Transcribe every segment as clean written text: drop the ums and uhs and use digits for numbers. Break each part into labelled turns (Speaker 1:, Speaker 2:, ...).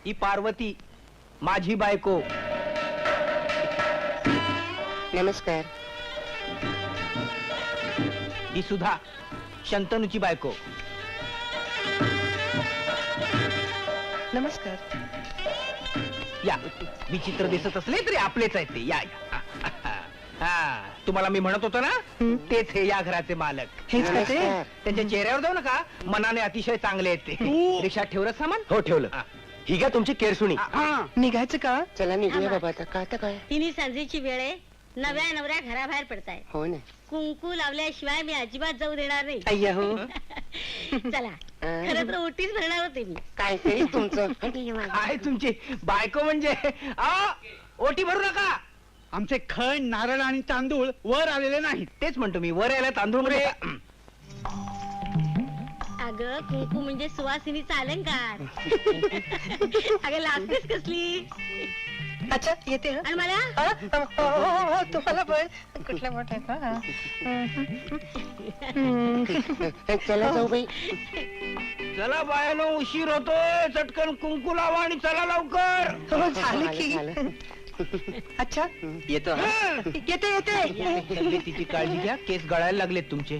Speaker 1: ही पार्वती माझी बायको.
Speaker 2: नमस्कार.
Speaker 1: ही सुधा शंतनूची बायको.
Speaker 2: नमस्कार.
Speaker 1: या विचित्र दिसत असले तरी आपलेच आहेत ते. या या. हा तुम्हाला मी म्हणत होतो ना, तेच हे या घराचे मालक.
Speaker 2: हेच का ते?
Speaker 1: त्यांच्या चेहऱ्यावर जाऊ नका, मनाने अतिशय चांगले आहेत ते. रिक्षात ठेवलं सामान?
Speaker 3: हो ठेवलं. ही घ्या तुमची केरसुणी.
Speaker 2: निघायचं का? चला निघूया बाबा आता. का आता काय?
Speaker 4: तिन्ही सांजेची वेळ आहे. नव्या नवऱ्या घराबाहेर पडताय.
Speaker 2: हो ना.
Speaker 4: कुंकू लावल्याशिवाय मी अजिबात जाऊ देणार नाही.
Speaker 2: अय्या हो.
Speaker 4: चला खरं तर ओटीच भरणार होते मी.
Speaker 2: काय तरी तुमचं.
Speaker 1: काय तुमची बायको म्हणजे? ओटी भरू नका.
Speaker 5: आमचे खण, नारळ आणि तांदूळ वर आलेले नाहीत.
Speaker 1: तेच म्हणतो मी, वर यायला तांदूळ मध्ये.
Speaker 4: अगं कुंकू म्हणजे सुवासिनीचा अलंकार. अगं लागतेच कसली.
Speaker 2: अच्छा येते.
Speaker 4: आणि मला
Speaker 2: तुम्हाला पण कुठल्या मोठ्या. चला जाऊ बाई.
Speaker 1: चला बायानो, उशीर होतोय. चटकन कुंकू लावा आणि चला लवकर.
Speaker 2: झालं की. अच्छा
Speaker 1: येतो.
Speaker 2: येते येते.
Speaker 1: तब्येतीची काळजी घ्या, केस गळायला लागलेत तुमचे.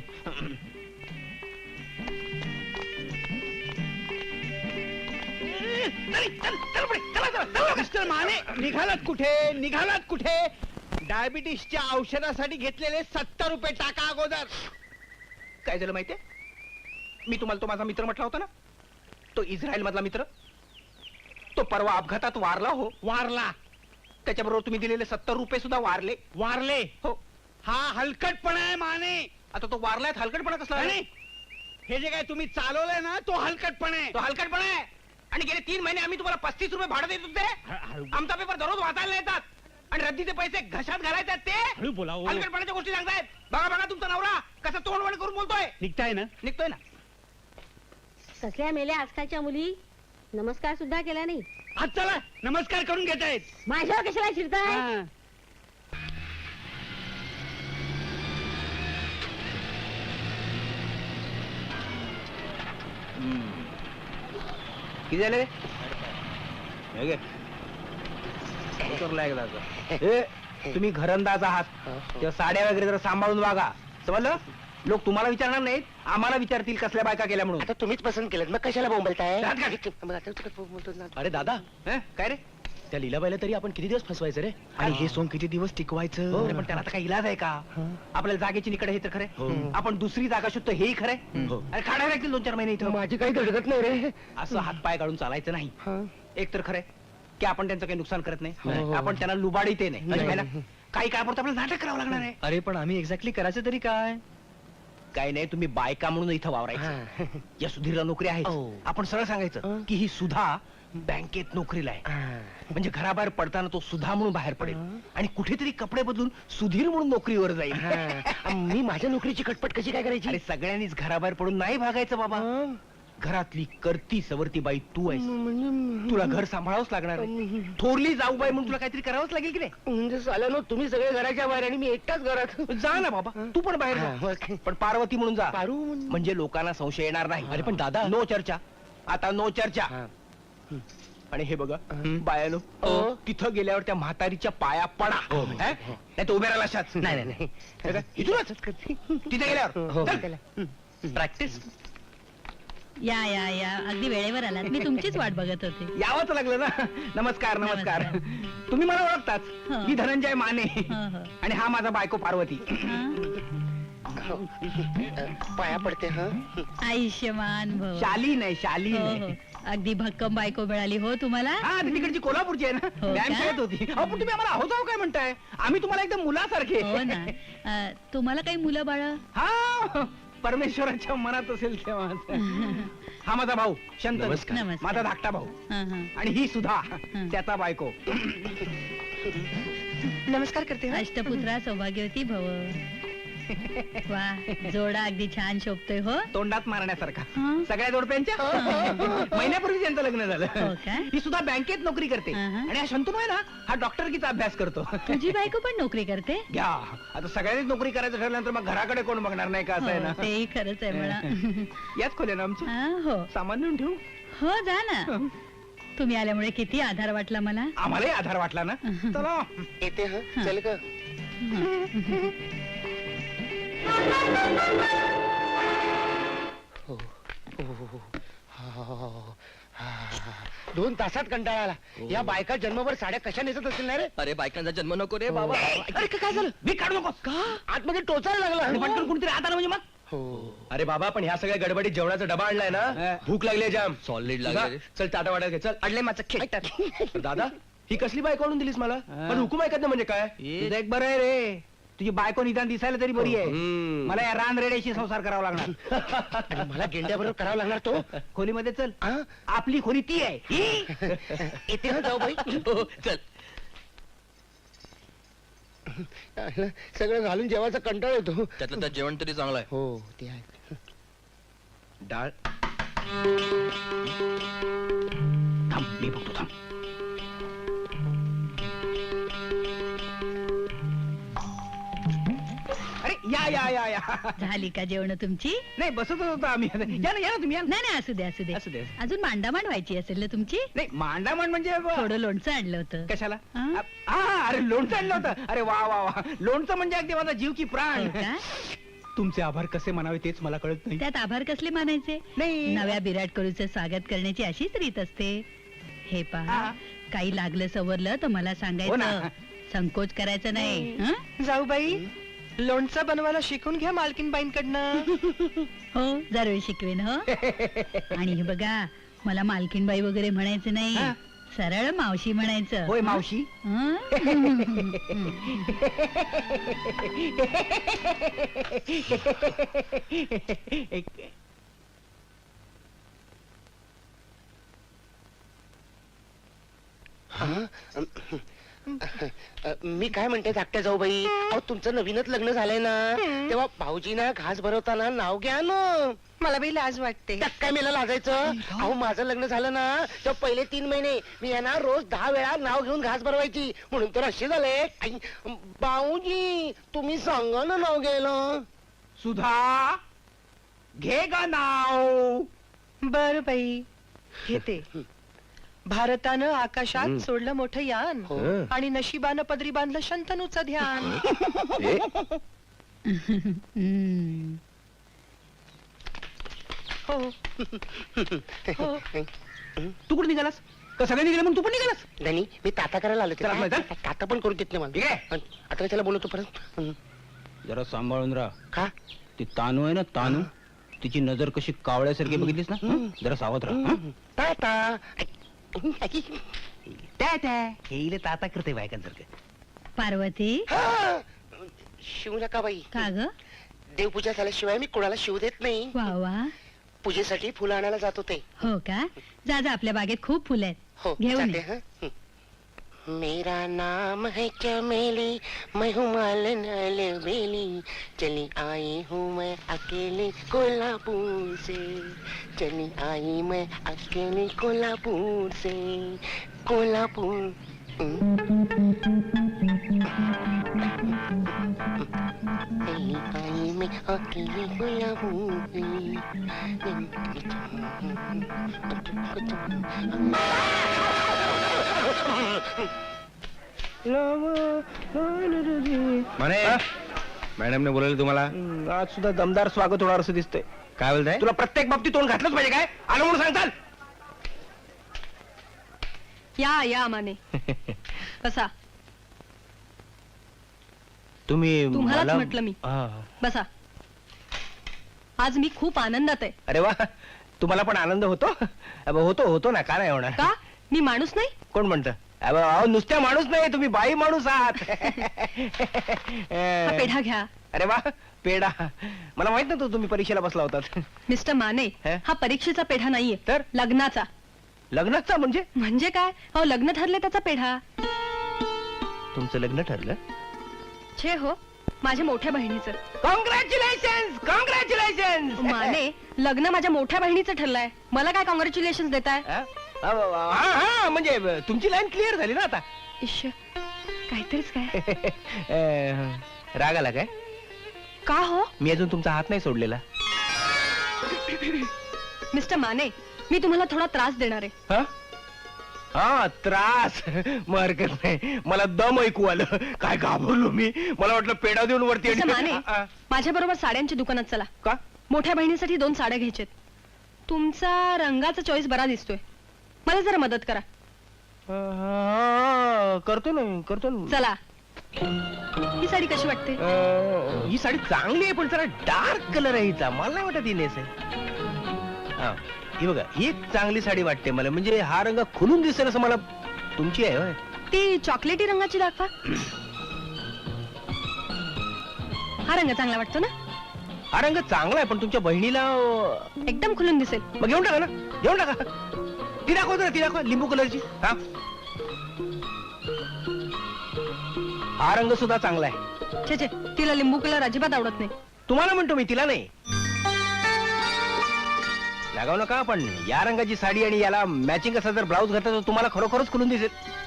Speaker 5: मिस्टर माने, निघालात कुठे? निघालात कुठे? डायबिटीसच्या औषधासाठी घेतलेले 70 रुपये टाका अगोदर.
Speaker 1: काय झालं माहितीये? मी तुम्हाला तो माझा मित्र म्हटला होता ना, तो इस्रायल मधला मित्र. तो परवा अपघातात वारला. हो
Speaker 5: वारला.
Speaker 1: त्याच्याबरोबर तुम्ही दिलेले 70 रुपये सुद्धा वारले.
Speaker 5: वारले.
Speaker 1: हो.
Speaker 5: हा हलकटपणा आहे माने.
Speaker 1: आता तो वारलाय, हलकटपणा कसला?
Speaker 5: आणि हे जे काय तुम्ही चालवलंय ना, तो हलकटपणा आहे.
Speaker 1: तो हलकटपणा आहे. आणि गेले 3 महिने आम्ही तुम्हाला 35 रुपये भाडं देत होते. आमचा पेपर दररोज वाचायला येतात आणि रद्दीचे पैसे घशात घालायतात. ते
Speaker 5: हळू बोला हो.
Speaker 1: हलकटपणाच्या गोष्टी सांगतायत. बघा बघा तुमचा नवरा कसा तोंडवण करून बोलतोय.
Speaker 5: निघताय ना?
Speaker 1: निघतोय ना.
Speaker 4: कसल्या मेल्या आजकालच्या मुली नमस्कार सुद्धा केला नाही.
Speaker 5: आज चला नमस्कार करून घेतायत.
Speaker 4: माझ्यावर कशाला शिरताय?
Speaker 5: हा.
Speaker 1: किती झाले? हे घे. उतरला एकदा का? तुम्ही घरंदाज आहात, तेव्हा साड्या वगैरे जरा सांभाळून वागा. समजलं? लोक तुम्हाला विचारणार नाहीत, आम्हाला विचारतील कसल्या बायका केल्या म्हणून.
Speaker 2: आता तुम्हीच पसंत केलं, मग कशाला बोंबलताय?
Speaker 1: राहत का?
Speaker 2: मग आता तू बोलतो ना.
Speaker 3: अरे दादा,
Speaker 1: हं? काय रे?
Speaker 3: त्या लीलाबाईला तरी आपण किती दिवस फसवायचं रे? आणि हे सोंग किती दिवस टिकवायचं?
Speaker 1: अरे पण त्याला आता काही इलाज आहे का? आपल्याला जागेची निकड हे तर खरंय. आपण दुसरी जागा शोधतो हेही खरंय.
Speaker 3: हो.
Speaker 1: अरे काढायला लागतील 2-4 महिने इथं.
Speaker 2: माझी काही धडकत नाही रे.
Speaker 1: असं हातपाय काढून चालायचं नाही. एक तर खरंय की आपण त्यांचं काही नुकसान करत नाही,
Speaker 2: हो.
Speaker 1: आपण त्यांना लुबाडीत नाही. है ना? काही काळापुरतं आपल्याला नाटक करावं लागणार आहे.
Speaker 3: अरे पण आम्ही एक्झॅक्टली करायचं तरी काय?
Speaker 1: काही नाही, तुम्ही बायका म्हणून इथं वावरायचं. या सुधीरला नोकरी आहे.
Speaker 2: हो.
Speaker 1: आपण सरळ सांगायचं की ही सुधा बँकेत नोकरीला आहे. म्हणजे घराबाहेर पडताना तो सुधा म्हणून बाहेर पडेल आणि कुठेतरी कपडे बदलून सुधीर म्हणून नोकरीवर जाईल.
Speaker 2: मी माझ्या नोकरीची कटपट कशी काय करायची?
Speaker 1: अरे सगळ्यांनीच घराबाहेर पडून नाही भागायचं बाबा. घरातली करती सवरती बाई तू आहेस. तुला घर सांभाळावंच लागणार आहे. थोरली जाऊ बाई म्हणून तुला काहीतरी करावंच लागेल की नाही?
Speaker 2: म्हणजे झालं ना, तुम्ही सगळे घराच्या बाहेर आणि मी एकटाच घरात.
Speaker 1: जा ना बाबा, तू पण बाहेर जा.
Speaker 2: हा.
Speaker 1: पण पार्वती म्हणून जा.
Speaker 2: पारू
Speaker 1: म्हणजे लोकांना संशय येणार नाही.
Speaker 3: अरे पण दादा,
Speaker 1: नो चर्चा, आता नो चर्चा. आणि हे बघा बायानो, तिथं गेल्यावर त्या म्हातारीच्या पाया पडा. नाही तर उभ्या राहिला अशाच.
Speaker 2: नाही नाही
Speaker 1: हे काय? इथूनच तिथे गेल्यावर चल.
Speaker 3: प्रॅक्टिस.
Speaker 6: या या या अगदी वेळेवर आलात. मी तुमचीच वाट बघत होते.
Speaker 1: यावंच लागलं ना. नमस्कार नमस्कार. तुम्ही मला ओळखताच.
Speaker 6: हो.
Speaker 1: मी धनंजय माने
Speaker 6: हो, हो.
Speaker 1: आणि हा माझा बायको पार्वती.
Speaker 2: पाया पडते. हा
Speaker 6: आयुष्यमान भव.
Speaker 1: शालीन आहे, शालीन
Speaker 6: हो,
Speaker 1: आहे.
Speaker 6: हो. अगदी भक्कम बायको मिळाली हो तुम्हाला.
Speaker 1: हा ती तिकडची कोल्हापूरची आहे ना.
Speaker 6: हो
Speaker 1: व्यायाम
Speaker 6: का?
Speaker 1: खेळत होती. अहो पण तुम्ही आम्हाला आहोत आहो काय म्हणताय? आम्ही तुम्हाला एकदम मुलासारखे.
Speaker 6: हो ना. तुम्हाला काही मुलं बाळ?
Speaker 1: हा परमेश्वराच्या मनात असेल तेव्हा. हा माझा भाऊ शंतनू.
Speaker 3: नमस्कार.
Speaker 1: माझा धाकटा भाऊ. आणि ही सुद्धा त्याचा बायको.
Speaker 2: नमस्कार करते.
Speaker 6: अष्टपुत्रा सौभाग्यवती भव. वा, जोडा अगदी छान शोभतोय हो.
Speaker 1: तोंडात मारण्यासारखा.
Speaker 6: हं.
Speaker 1: सगळ्या जोडप्यांच्या. महिन्यापूर्वी त्यांचं लग्न
Speaker 6: हो
Speaker 1: झालं.
Speaker 6: का?
Speaker 1: ही सुद्धा बँकेत नोकरी करते.
Speaker 6: अहं.
Speaker 1: आणि हा शंतनू आहे ना, हा डॉक्टरकीचा अभ्यास करतो.
Speaker 6: तुझी बायको पण नोकरी करते?
Speaker 1: घ्या, आता सगळ्यांनीच नोकरी करायचं ठरल्यानंतर मग घराकडे कोण बघणार नाही का? असं आहे
Speaker 6: हो,
Speaker 1: ना.
Speaker 6: तेही खरंच आहे म्हणा.
Speaker 1: याच खोल्या ना आमची.
Speaker 6: हा, हो
Speaker 1: सामान नेऊन ठेवू.
Speaker 6: हो जा ना. तुम्ही आल्यामुळे किती आधार वाटला मला.
Speaker 1: आम्हालाही आधार वाटला ना. चला
Speaker 2: येते हा चल ग. हो, हो, हो. हा. 2 तासात कंटाळा आला. या बायका जन्मभर साड्या कशा नेसत असतील ना रे.
Speaker 3: अरे बायकांचा जन्म नको रे बाबा.
Speaker 2: अरे काय झालं.
Speaker 1: मी काढू नकोस का.
Speaker 2: आतमध्ये टोचायला
Speaker 1: आणि
Speaker 2: लागला.
Speaker 1: पटकन कुणीतरी आता ना म्हणजे मग.
Speaker 2: हो.
Speaker 3: अरे बाबा पण ह्या सगळ्या गडबडीत जेवणाचा डबा आणलाय ना.
Speaker 1: हा.
Speaker 3: भूक लागली जाम.
Speaker 7: सॉलिड
Speaker 3: तुझा?
Speaker 7: लागले
Speaker 3: चल टाटा वाटायला घे चल.
Speaker 7: अडले माझं खेट
Speaker 3: दादा ही कसली बायको आणून दिलीस मला.
Speaker 1: हा.
Speaker 3: पण हुकूम ऐकत नाही म्हणजे काय.
Speaker 1: तुझं एक बरं आहे रे, तुझी बायको निदान दिसायला तरी बरी आहे.
Speaker 3: हम्म.
Speaker 1: मला या रान रेड्याशी संसार करावा लागणार.
Speaker 2: आणि मला गेंड्याबरोबर करावा लागणार तो.
Speaker 1: खोलीमध्ये चल.
Speaker 2: हा?
Speaker 1: आपली खोली ती आहे ही.
Speaker 2: येते हा जाऊ बाई.
Speaker 3: चल
Speaker 2: सगळं घालून जेवायचा कंटाळ येतो.
Speaker 7: त्यातलं त्यात जेवण तरी चांगलं आहे.
Speaker 2: हो ते आहे.
Speaker 3: डाळ.
Speaker 1: थांब मी बघतो थांब. अरे या या या या.
Speaker 6: झाली का जेवण तुमची.
Speaker 1: नाही बसतच होतो आम्ही. या ना तुम्ही या ना.
Speaker 6: नाही नाही असू दे असू दे
Speaker 1: असू दे.
Speaker 6: अजून मांडामांड व्हायची असेल ना तुमची.
Speaker 1: नाही मांडामांड म्हणजे
Speaker 6: थोडं लोणचं आणलं होतं.
Speaker 1: कशाला.
Speaker 6: हा?
Speaker 1: हा अरे लोणचं आणलं होतं. अरे वा वा वा. लोणचं म्हणजे अगदी माझा जीव की प्राण.
Speaker 6: हो का?
Speaker 1: तुमचे आभार कसे मानावे तेच मला कळत नाही.
Speaker 6: त्यात आभार कसले मानायचे.
Speaker 1: नाही.
Speaker 6: नव्या विराट कोहलीचं स्वागत करण्याची अशीच रीत असते. हे पहा
Speaker 1: हा.
Speaker 6: काही लागलं सवरलं तर मला
Speaker 1: हो ना.
Speaker 6: सांगायचं. संकोच करायचा नाही हं?
Speaker 8: जाऊ बाई लोणचं बनवायला शिकून घ्या मालकीनबाईंकडनं.
Speaker 6: हो जरूर शिकवेन हो. आणि हे बघा मला मालकीनबाई वगैरे म्हणायचं नाही.
Speaker 1: हा.
Speaker 6: सरळ मावशी म्हणायचं.
Speaker 1: होय मावशी.
Speaker 6: हं?
Speaker 2: मी काय म्हणते धाकट्या जाऊ बाई. अहो तुमचं नवीनच लग्न झालंय ना तेव्हा भाऊजीना घास भरवताना नाव घ्या ना.
Speaker 8: मला बाई लाज वाटते.
Speaker 2: त्यात काय मला लाजायचं. अहो माझं लग्न झालं ना तेव्हा पहिले 3 महिने मी यांना रोज 10 वेळा नाव घेऊन घास भरवायची. म्हणून तर असे झाले. आई, भाऊजी तुम्ही सांगा ना नाव घ्यायला.
Speaker 1: सुधा घे गा नाव.
Speaker 8: बर बाई घेते. भारतानं आकाशात सोडलं मोठं यान
Speaker 2: हो.
Speaker 8: आणि नशिबानं पदरी बांधलं शंतनूचं ध्यान.
Speaker 6: हं.
Speaker 8: हो हो
Speaker 1: तू कुठे निघालास का सगळे निघाले म्हणून तू पण निघालास.
Speaker 2: धनी मी ताता करायला आलो
Speaker 1: चला, आपलं
Speaker 2: होते.
Speaker 1: इथं.
Speaker 2: ताता पण करू देत नाही
Speaker 1: ठीक आहे.
Speaker 2: मला. आता काय त्याला बोलवतो परत.
Speaker 1: जरा सांभाळून राहा.
Speaker 2: का
Speaker 1: ती तानू आहे ना तानू तिची नजर कशी कावळ्यासारखी बघितलीस ना. हं? जरा सावध राहा. हं?
Speaker 2: ताता
Speaker 1: त्या त्या हे इले ताता करते बायकांसारखं.
Speaker 6: पार्वती
Speaker 2: शिव नका बाई.
Speaker 6: का ग.
Speaker 2: देवपूजा झाल्याशिवाय मी कोणाला शिव देत नाही.
Speaker 6: वा वा.
Speaker 2: पूजेसाठी फुलं आणायला जात होते.
Speaker 6: हो का. जा जा आपल्या बागेत खूप फुलं आहेत.
Speaker 2: हो
Speaker 6: घेऊन
Speaker 2: जाते
Speaker 6: ये.
Speaker 2: हं. मेरा नाम है चमेली मैं हूँ मालन अलबेली चली आई हूँ मैं अकेली कोल्हापुर से चली आई मैं अकेली कोल्हापुर से कोल्हापुर. चली आई मैं अकेली कोल्हापुर
Speaker 3: म्हणे मॅडमने बोलवलं तुम्हाला.
Speaker 1: आज सुद्धा दमदार स्वागत होणार असं दिसतंय.
Speaker 3: काय बोलताय.
Speaker 1: तुला प्रत्येक बाबतीत तोंड घातलंच पाहिजे काय. आलं म्हणून सांगताल.
Speaker 8: या माने बसा.
Speaker 1: तुम्ही
Speaker 8: तुम्हालाच
Speaker 1: मला-
Speaker 8: म्हटलं मी.
Speaker 1: हा.
Speaker 8: बसा. आज मी खूप आनंदात आहे.
Speaker 1: अरे वा तुम्हाला पण आनंद होतो. होतो होतो ना का नाही होणार.
Speaker 8: का मी माणूस नाही.
Speaker 1: कोण म्हणतं. अहो नुसत्या माणूस नाही तुम्ही बाई माणूस आहात.
Speaker 8: हा पेढा घ्या.
Speaker 1: अरे वा पेढा. मला माहित नव्हतं तुम्ही परीक्षेला बसला होतात.
Speaker 8: मिस्टर माने
Speaker 1: हे?
Speaker 8: हा परीक्षेचा पेढा नाहीये
Speaker 1: तर?
Speaker 8: लग्नाचा.
Speaker 1: लग्नाचा म्हणजे
Speaker 8: म्हणजे काय. हो लग्न ठरले त्याचा पेढा.
Speaker 1: तुमचं लग्न ठरलं.
Speaker 8: छे हो माझ्या मोठ्या बहिणीचं.
Speaker 1: Congratulation congratulation.
Speaker 8: माने लग्न माझ्या मोठ्या बहिणीचं ठरलंय. मला काय कॉंग्रॅच्युलेशन देताय.
Speaker 1: हा म्हणजे तुमची लाईन क्लिअर झाली ना आता.
Speaker 8: इश्श काहीतरीच काय.
Speaker 1: राग आला काय.
Speaker 8: का हो
Speaker 1: मी अजून तुमचा हात नाही सोडलेला.
Speaker 8: मिस्टर माने मी तुम्हाला थोडा त्रास देणार आहे.
Speaker 1: हा हा त्रास मग हरकत नाही. मला दम ऐकू आलं. काय घाबरलो मी. मला वाटलं पेढा देऊन वरती
Speaker 8: तसं माने
Speaker 1: आ,
Speaker 8: माझ्या बरोबर साड्यांच्या दुकानात चला.
Speaker 1: का
Speaker 8: मोठ्या बहिणीसाठी 2 साड्या घ्यायच्यात. तुमचा रंगाचा चॉईस बरा दिसतोय. मला जरा मदत करा.
Speaker 1: करतो ना.
Speaker 8: चला. ही साडी कशी वाटते?
Speaker 1: ही साडी चांगली आहे पण जरा डार्क कलर आहे हिचा. मला नाही वाटत ही नेसेल. हा, ही बघा ही एक चांगली साडी वाटते मला. म्हणजे हा रंग खुलून दिसेल असं मला. तुमची आहे होय?
Speaker 8: ती चॉकलेटी रंगाची दाखवा. हा रंग चांगला वाटतो ना?
Speaker 1: हा रंग चांगला आहे पण तुमच्या बहिणीला
Speaker 8: एकदम खुलून दिसेल.
Speaker 1: मग घेऊन टाका ना. घेऊन टाका. ती दाखवतो ना. ती दाखवा लिंबू कलरची. हा, हा रंग सुद्धा चांगला आहे.
Speaker 8: छे छे, तिला लिंबू कलर अजिबात आवडत नाही.
Speaker 1: तुम्हाला म्हणतो मी, तिला नाही. लागाव नका पण या रंगाची साडी आणि याला मॅचिंग असा जर ब्लाऊज घातला तर तुम्हाला खरोखरच खुलून दिसेल.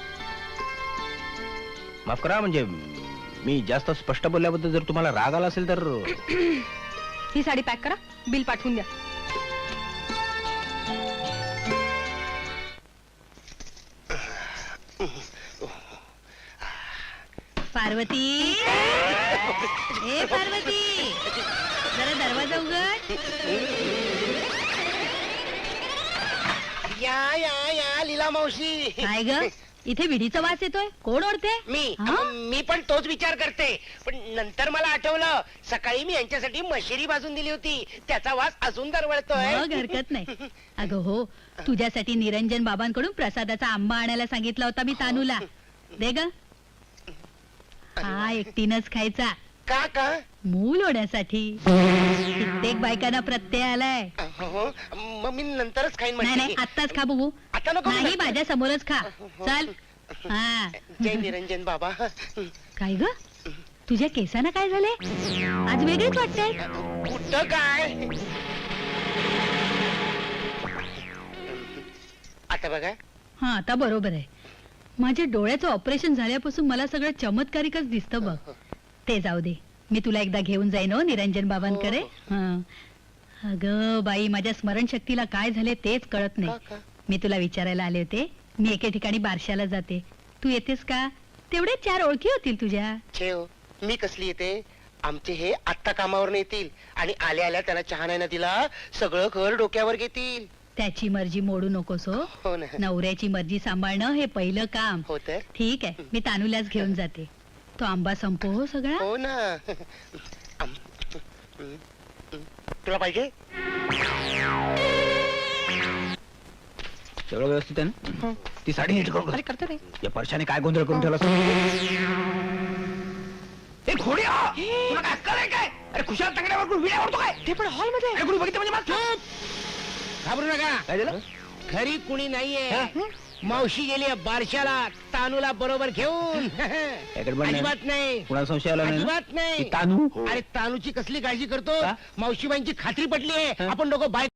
Speaker 1: माफ करा म्हणजे मी जास्त स्पष्ट बोलल्याबद्दल जर तुम्हाला राग आला असेल तर.
Speaker 8: ही साडी पॅक करा. बिल पाठवून द्या.
Speaker 6: पार्वती ए पार्वती जरा दरवाजा उघड.
Speaker 2: या लीला मावशी.
Speaker 6: काय ग इथे विडीचा वास येतोय. कोण ओढते?
Speaker 2: मी पण तोच विचार करते. पण नंतर मला आठवलं सकाळी मी यांच्यासाठी मशिरी भाजून दिली होती. त्याचा वास अजून दरवळतोय.
Speaker 6: मग हरकत नाही. अगं हो, तुझ्यासाठी निरंजन बाबांकडून प्रसादाचा आंबा आणायला सांगितला होता मी तानूला. दे ग. हा एकटीनच खायचा.
Speaker 2: का
Speaker 6: मूल होण्यासाठी. कित्येक बायकांना प्रत्यय आलाय.
Speaker 2: हो, मग मी नंतरच खाईन
Speaker 6: नाही नाही
Speaker 2: म्हणजे.
Speaker 6: आत्ताच खा बघू.
Speaker 2: आता नको.
Speaker 6: नाही माझ्या समोरच खा. चल. हा
Speaker 2: जय निरंजन बाबा.
Speaker 6: काय ग तुझ्या केसांना काय झाले? आज वेगळीच वाटते.
Speaker 2: कुठं काय. आता बघा.
Speaker 6: हा आता बरोबर आहे. माझ्या डोळ्याचं ऑपरेशन झाल्यापासून मला सगळं चमत्कारिकच दिसतं बघ. ते जाऊ दे. मी तुला एकदा घेऊन जाईन हो निरंजन बाबांकडे. हा अगं बाई माझ्या स्मरणशक्तीला काय झाले तेच कळत नाही. मी तुला विचारायला आले होते. मी एके ठिकाणी बारशाला जाते. तू येतेस का? तेवढे 4 ओळखी होतील तुझ्या.
Speaker 2: छेव मी कसली येते. आमचे हे आत्ता कामावर येतील आणि आल्या आल्या त्याला चहा नाही ना दिला सगळं घर डोक्यावर घेतील.
Speaker 6: त्याची मर्जी मोडू नकोस हो.
Speaker 2: हो ना.
Speaker 6: नवऱ्याची मर्जी सांभाळणं हे पहिलं काम.
Speaker 2: हो तर.
Speaker 6: ठीक आहे मी तानूलाच घेऊन जाते. तो आंबा संपो हो सगळा.
Speaker 2: हो ना. तुला पाहिजे.
Speaker 1: सगळं व्यवस्थित आहे ना? ती साडी नीट करून घाल.
Speaker 8: करते रे.
Speaker 1: या परशाने काय गोंधळ करून ठेवला. ए खोड्या तुला काय अक्कल आहे काय? अरे खुशाल तंगड्यावर कोण विड्या ओढतो काय?
Speaker 8: ते पण हॉल मध्ये.
Speaker 1: अरे कोणी बघितलं म्हणजे मला
Speaker 5: घाबरू नका.
Speaker 1: काय झालं?
Speaker 5: घरी कुणी नाहीये. मावशी गेली बारशाला तानूला बरोबर घेऊन.
Speaker 1: याकडे बघ ना.
Speaker 5: अजिबात नाही.
Speaker 1: कुणाला संशय आला नाही ना?
Speaker 5: अजिबात नाही.
Speaker 1: ती तानू
Speaker 5: अरे तानूची कसली काळजी करतो.
Speaker 1: का?
Speaker 5: मावशीबाईंची खात्री पटली आहे. आपण दोघं बाय